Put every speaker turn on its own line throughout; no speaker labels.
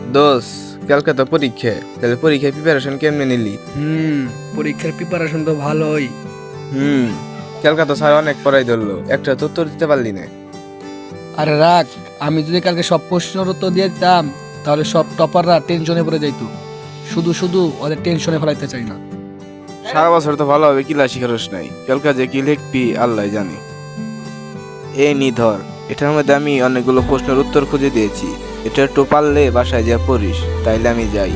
দোষ, কালকে তো পরীক্ষা, তাহলে পরীক্ষার প্রিপারেশন কেমনে নিলি?
পরীক্ষার প্রিপারেশন তো ভালোই।
হুম কালকে তো স্যার অনেক পড়াই ধরলো, একটা তো উত্তর দিতে পারলি না।
আরে রাখ, আমি যদি কালকে সব প্রশ্নের উত্তর দিয়ে দিতাম তাহলে সব টপাররা টেনশনে পড়ে যাইতো। শুধু শুধু ওদের টেনশনে ফেলাইতে চাই না।
সারা বছর তো ভালোভাবে ক্লাস শিখারস নাই, কালকে যে কি লিখবি আল্লাহ জানে। এই নি ধর, এটার মধ্যে আমি অনেকগুলো প্রশ্নের উত্তর খুঁজে দিয়েছি, এটা একটু পারলে বাসায় যা পড়িস, তাইলে আমি যাই।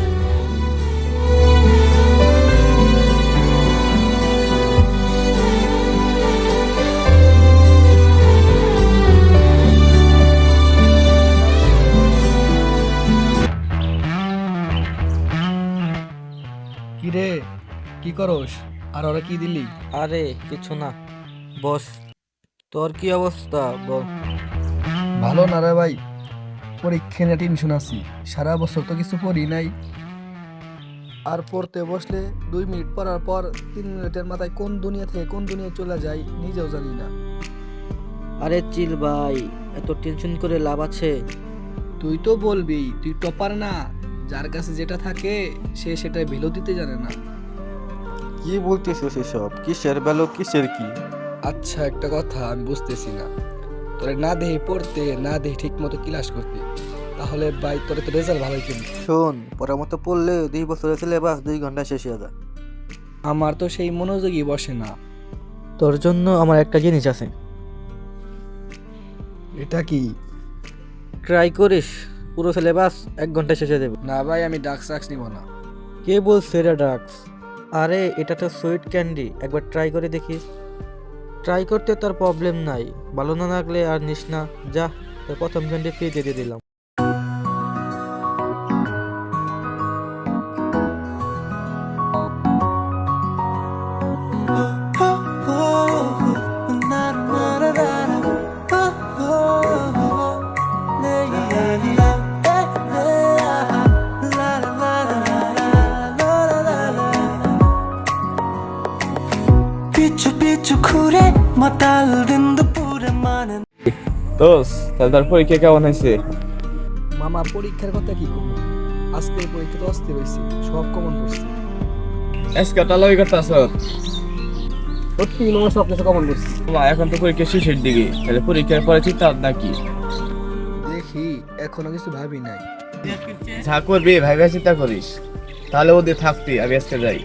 কি রে, কি করস? আর ওরা কি দিলি?
আরে কিছু না, বস। তোর কি অবস্থা বল?
ভালো না রে ভাই, পরীক্ষা নিয়ে টেনশন আছি। সারা বছর তো কিছু পড়ি নাই, আর পড়তে বসলে 2 মিনিট পড়ার পর 3 মিনিটের মাথায় কোন দুনিয়া থেকে কোন দুনিয়ায় চলে যায় নিজেও জানি না।
আরে চিল ভাই, এত টেনশন করে লাভ আছে?
তুই তো বলবি, তুই টপার না? যার কাছে যেটা থাকে সে সেটা ভ্যালু দিতে জানে না।
কি বলতেছিস এসব? কিসের বেলো, কিসের কি?
আচ্ছা, একটা কথা আমি বুঝতেছি না, তোরে না দেহে পড়তে, না দেহে ঠিক মতো ক্লাস করতে, তাহলে ভাই তোরে তো রেজাল্ট ভালোই কেমনি?
শোন, পড়ার মতো পড়লে 2 বছরের সিলেবাস 2 ঘন্টা শেষ হয়ে যায়।
আমার তো সেই মনোযোগই বসে না।
তোর জন্য আমার একটা জিনিস আছে,
এটা কি?
ট্রাই করিস, পুরো সিলেবাস 1 ঘন্টা শেষে দেবে।
না ভাই, আমি ডাক্স সাক্স নিব না।
কে বলছে এটা ড্রাগস? আরে এটা তো সুইট ক্যান্ডি, একবার ট্রাই করে দেখিস। ট্রাই করতে তোর প্রবলেম নাই, ভালো না লাগলে আর নিস না। যা, তোর প্রথম ক্যান্ডি ফ্রি দিয়ে দিলাম।
পিছু পিছু ঘুরে মাতাল দিন দুপুরে মানে।
দোষ, তাহলে তোর পরীক্ষা কেমন হয়েছে?
মামা, পরীক্ষার কথা কি করবো? আজকের পরীক্ষা তো অস্থির হয়েছে, সব কমন পড়ছে।
আজকে টালাবি করতেছ?
সত্যি মামা, সব কিছু কমন পড়ছে।
এখন তো পরীক্ষা শেষের দিকে, তাহলে পরীক্ষার পরে চিন্তা নাকি?
দেখি, এখনো কিছু ভাবি নাই।
যা করবি ভাইবা চিন্তা করিস, তাহলে ওদের থাকবি, আমি আজকে যাই।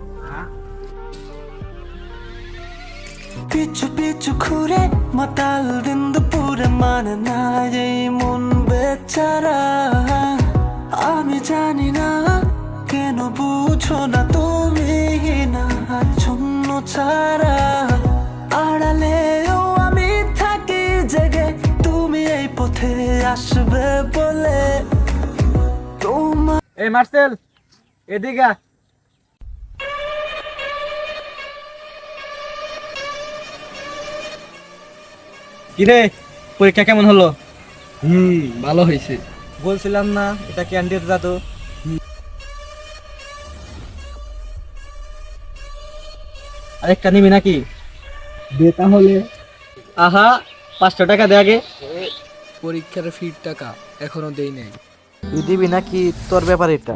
পিছু পিছু ঘুরে মাতাল দিন দুপুরে মানে না এই মন বেচারা। আমি জানি না কেন বুঝো না তুমি না শূন্য ছাড়া। আড়ালেও আমি থাকি জেগে, তুমি এই পথে আসবে বলে তোমার।
এই মার্সেল, এদিকে আ। কিরে, পরীক্ষা কেমন হলো?
ভালো হয়েছে।
বলছিলাম না এটা ক্যান্ডির জাদু। আরেকটা নিবি নাকি?
দে তাহলে।
আহা, 500 টাকা দে আগে।
পরীক্ষার ফির টাকা এখনো দেই নাই।
তুই দিবি নাকি? তোর ব্যাপার এটা।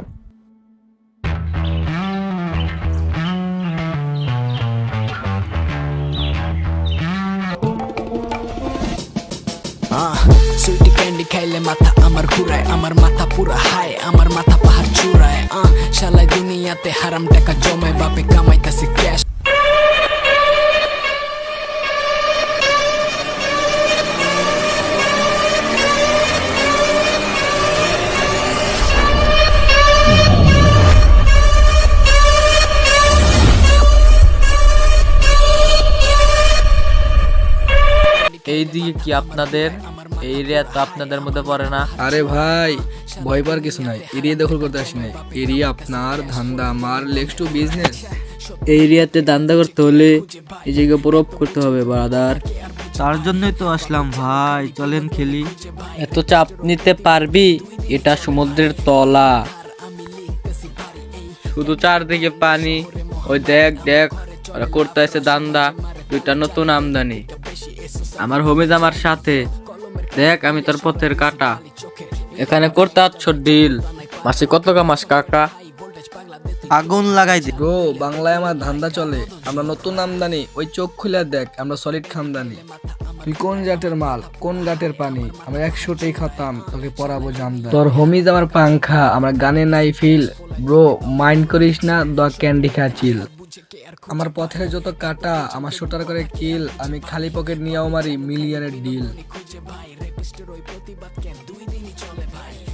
সুইটি ক্যান্ডি খাইলে মাথা আমার ঘুরায়, আমার মাথা পুরা হায়, আমার মাথা পাহাড় চূড়ায়। শালায় দুনিয়াতে হারাম টাকা জমায়, বাপে কামাইতাছে ক্যাশ।
এই দিকে কি আপনাদের? এই এরিয়া তো আপনাদের মধ্যে পড়ে না।
আরে ভাই, ভয় পাওয়ার কিছু নাই, এরিয়া দখল করতে আসি নাই। এরিয়া আপনার, ধান্দা আমার, লেটস টু বিজনেস।
এই এরিয়াতে দান্দা করতে হলে এই জায়গায় প্রুভ করতে হবে ব্রাদার।
তার জন্যই তো আসলাম ভাই, চলেন খেলি।
এত চাপ নিতে পারবি? এটা সমুদ্রের তলা, শুধু চারদিকে পানি। ওই দেখ দেখ, ওরা করতে আছে দান্দা, 2টা নতুন আমদানি। আমার হোমিজ আমার সাথে, দেখ আমি তোর পথের কাটা। এখানে করতে আছো ডিল, মাসে কত কামাস কাকা?
আগুন লাগাই দে।
ব্রো বাংলায় আমার ধান্দা চলে, আমরা নতুন আমদানি, ওই চোখ খুলে দেখ আমরা সলিড খামদানি। তুই কোন জাতের মাল, কোন ঘাটের পানি, আমরা 100টাই খাতাম, তোকে পরাবো জামদানি। তোর হোমিজ আমার পাংখা, আমার গানে নাই ফিল, ব্রো মাইন্ড করিস না, দ ক্যান্ডি খা চিল। আমার পথের যত কাটা, আমার শোটার করে কিল, আমি খালি পকেট নিয়েও মারি মিলিয়নের ডিল।